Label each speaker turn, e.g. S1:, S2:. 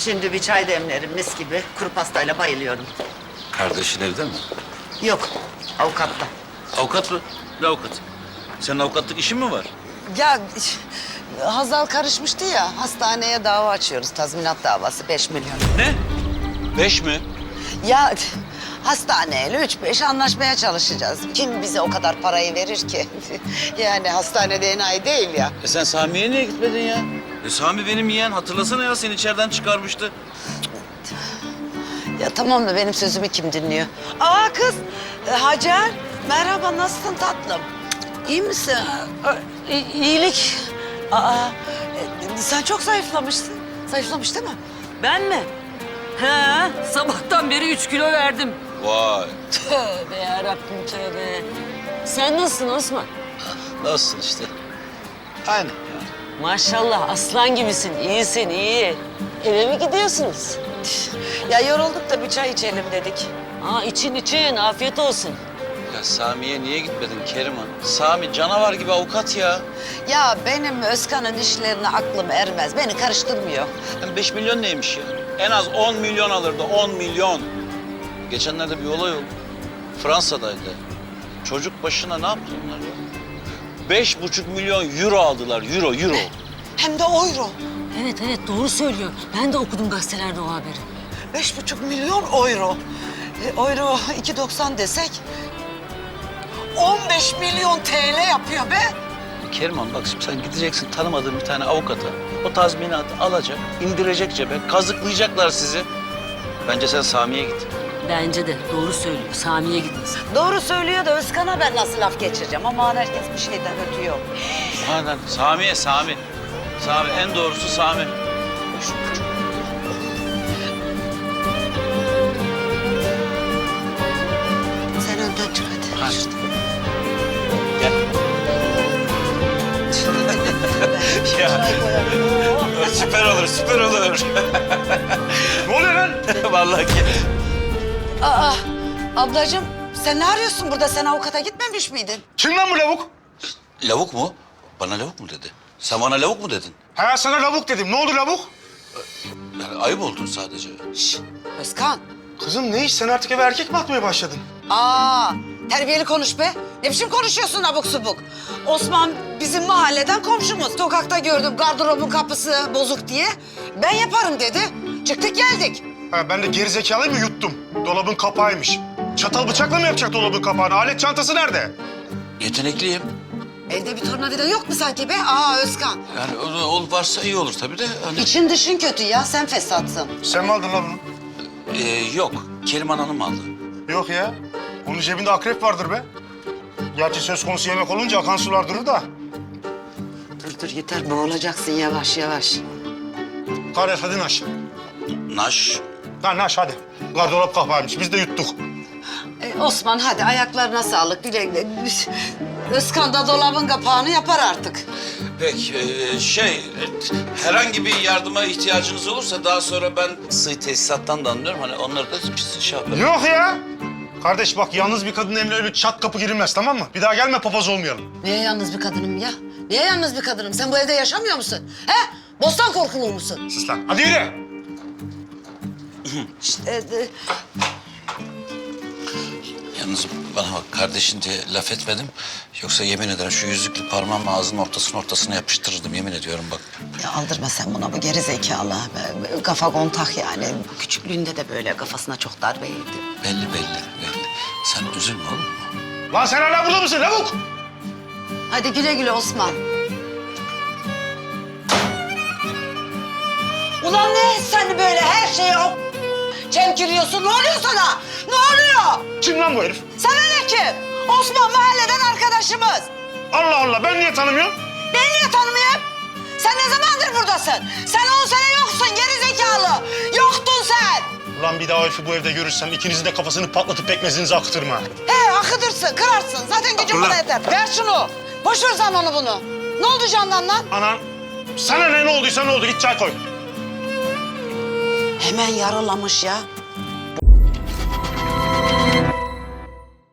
S1: Şimdi bir çay demlerim mis gibi. Kuru pastayla bayılıyorum.
S2: Kardeşin evde mi?
S1: Yok, avukatta.
S2: Avukat mı? Ne avukat? Senin avukatlık işin mi var?
S1: Ya Hazal karışmıştı ya, hastaneye dava açıyoruz. Tazminat davası 5 milyon.
S2: Ne? 5 mi?
S1: Ya hastaneyle 3-5 anlaşmaya çalışacağız. Kim bize o kadar parayı verir ki? Yani hastanede enayi değil ya.
S2: Sen Sami'ye niye gitmedin ya? Sami benim yeğen. Hatırlasana ya, seni içeriden çıkarmıştı.
S1: Ya tamam da benim sözümü kim dinliyor? Aa kız, Hacer. Merhaba, nasılsın tatlım? İyi misin? İyilik. Sen çok zayıflamışsın. Zayıflamış değil mi?
S3: Ben mi? He, sabahtan beri 3 kilo verdim.
S2: Vay.
S3: Tövbe yarabbim tövbe. Sen nasılsın Osman?
S2: Nasılsın işte? Aynı.
S3: Maşallah aslan gibisin, iyisin, iyi. Eve mi gidiyorsunuz?
S1: Ya yorulduk da bir çay içelim dedik.
S3: Aa için, afiyet olsun.
S2: Ya Sami'ye niye gitmedin Keriman? Sami canavar gibi avukat ya.
S1: Ya benim Özkan'ın işlerine aklım ermez. Beni karıştırmıyor.
S2: Hem 5 milyon neymiş ya? En az 10 milyon alırdı, 10 milyon. Geçenlerde bir olay oldu. Fransa'daydı. Çocuk başına ne yaptı onlar ya? 5,5 milyon euro aldılar, euro.
S1: Hem de euro.
S3: Evet doğru söylüyor. Ben de okudum gazetelerde o haberi.
S1: 5,5 milyon euro. Euro 2,90 desek 15 milyon TL yapıyor be.
S2: Keriman bak şimdi sen gideceksin tanımadığın bir tane avukata. O tazminatı alacak, indirecek cebe, kazıklayacaklar sizi. Bence sen Sami'ye git.
S3: Bence de doğru söylüyor. Sami'ye gitmesin.
S1: Doğru söylüyor da Özkan'a ben nasıl laf geçireceğim? Ama herkes bir şeyden ötüyor.
S2: Aynen. Sami. Sami, en doğrusu Sami.
S1: Sen önden çık hadi.
S2: Hadi. Gel. Ya. Süper olur.
S4: Ne oluyor lan?
S2: Vallahi ki.
S1: Aa, ablacığım sen ne arıyorsun burada? Sen avukata gitmemiş miydin?
S4: Kim lan bu lavuk?
S2: Lavuk mu? Bana lavuk mu dedi? Sen bana lavuk mu dedin?
S4: Ha sana lavuk dedim. Ne oldu lavuk?
S2: Yani ayıp oldun sadece.
S1: Şşt, Özkan.
S4: Kızım ne iş? Sen artık eve erkek mi atmaya başladın?
S1: Aa, terbiyeli konuş be. Ne biçim konuşuyorsun abuk subuk? Osman bizim mahalleden komşumuz. Sokakta gördüm gardırobun kapısı bozuk diye. Ben yaparım dedi. Çıktık geldik.
S4: Ha ben de gerizekalıyım mı yuttum? Dolabın kapağıymış. Çatal bıçakla mı yapacak dolabın kapağını? Alet çantası nerede?
S2: Yetenekliyim.
S1: Evde bir tornavida yok mu sanki be? Aa Özkan.
S2: Yani o varsa iyi olur tabii de. Hani...
S1: İçin dışın kötü ya. Sen fesatsın.
S4: Sen mi aldın lan bunu?
S2: Yok, Keriman Hanım aldı.
S4: Yok ya. Onun cebinde akrep vardır be. Gerçi söz konusu yemek olunca akan sular durur da.
S1: Dur yeter boğulacaksın yavaş yavaş.
S4: Karar hadi naş.
S2: Naş.
S4: Ha naş hadi. Gardırop kapağıymış. Biz de yuttuk.
S1: Osman hadi ayaklarına sağlık güle güle. Özkan da dolabın kapağını yapar artık.
S2: Peki, herhangi bir yardıma ihtiyacınız olursa daha sonra ben sığ tesisattan da anlıyorum. Hani onları da şey yaparım.
S4: Yok ya. Kardeş bak yalnız bir kadın evine öyle çat kapı girilmez tamam mı? Bir daha gelme papaz olmayalım.
S1: Niye yalnız bir kadınım ya? Niye yalnız bir kadınım? Sen bu evde yaşamıyor musun? He? Bostan korkulu musun?
S4: Sus lan. Hadi yürü.
S2: Yalnız bana bak kardeşin diye laf etmedim. Yoksa yemin ederim şu yüzüklü parmağımla ağzının ortasına yapıştırırdım yemin ediyorum bak.
S1: Ya aldırma sen buna bu geri zekalı. Kafa kontak yani. Küçüklüğünde de böyle kafasına çok darbe yedi.
S2: Belli. Sen üzülme oğlum.
S4: Lan sen hala burada mısın lavuk?
S1: Hadi güle güle Osman. Ulan ne sen böyle her şeyi çemkiriyorsun? Ne oluyor sana? Ne oluyor?
S4: Kim lan bu herif?
S1: Sana ne kim? Osman mahalleden arkadaşımız.
S4: Allah Allah ben niye tanımıyorum?
S1: Ben niye tanımayayım? Sen ne zamandır buradasın? Sen 10 sene yoksun geri zekalı. Yoktun sen.
S4: Ulan bir daha o herifi bu evde görürsem ikinizin de kafasını patlatıp pekmezinizi akıtırım ha.
S1: He akıtırsın, kırarsın. Zaten gücün
S4: Ulan.
S1: buna yeter. Ver şunu. Boş ver sen onu bunu. Ne oldu Candan lan?
S4: Anan sana ne olduysa ne oldu git çay koy.
S1: Hemen yaralamış ya.